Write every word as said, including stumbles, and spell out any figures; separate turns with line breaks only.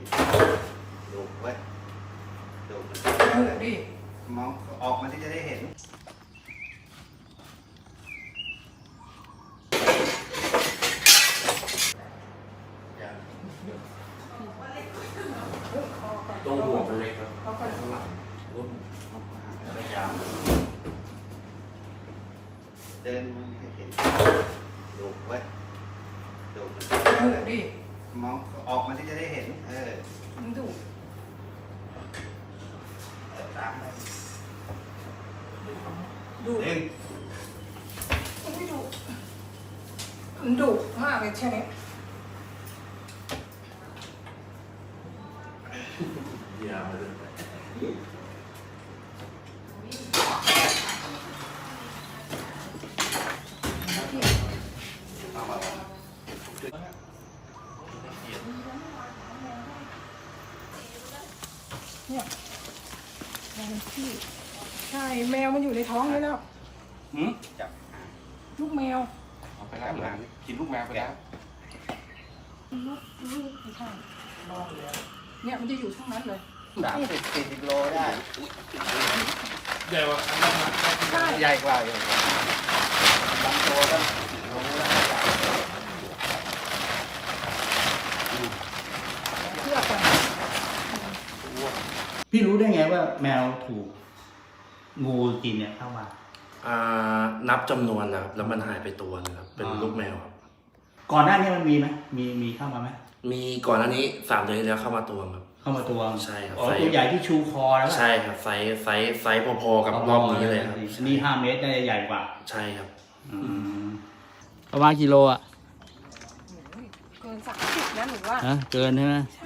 ดูไว้ดูมัน
ดูดิ
มองออกมาที่จะได้เห็น
ตรงหัวมันเล็กครับ
เขาก็
พยายามเดินมันให้เห็นดูไว้ดูมัน
ดูดิ
มองออกมาที่จะได้เห็นเออ
มันดุ
เออตามไป
ดุ
หนึ่ง
มันไม่ดุมันดุมากเลยใช่ไหม
ยาวเลย
เอามา
เนี่ยแมวมันขี้ใช่แมวมันอยู่ในท้องเลยแล้ว
หืม
จับ
ลูกแมว
เอาไปแล้วเหรอกินลูกแมวไปแล้ว
ลูกลูกไม่ใช่รอเลยเนี่ยมันจะอยู่ช่องนั้นเลย
สามสิบสี่สิบโลได้
ใหญ่กว่าอันนั้นนะ
ใช่
ใหญ่กว่าอยู่บางตัวก็รู้แล้วใหญ่
เพื่อกัน
พี่รู้ได้ไงว่าแมวถูกงูกินเนี่ยเข้ามา
อ่านับจำนวนนะครับแล้วมันหายไปตัวนึงครับเป็น
อ่า
ลูกแมวครับ
ก่อนหน้านี้มันมีไหมมีมีเข้ามาไหม
มีก่อนหน้านี้สามเดือนที่แล้วเข้ามาตัวครับ
เข้ามาตัว
ใช่ครับ
อ๋อ
ไซส์
ตัวใหญ่ที่ชูคอแล้ว
ใช่ครับไซส์ไซส์ไซส์พอๆกับรอบนี้เลยครับ
นี่ห้าเมตรน่าจะใหญ่กว่า
ใช่ครับ
ประมาณกิโลอ่ะ
เกินสามสิบนะหนูว่า
ฮะเกินใช่ไหม
ใช่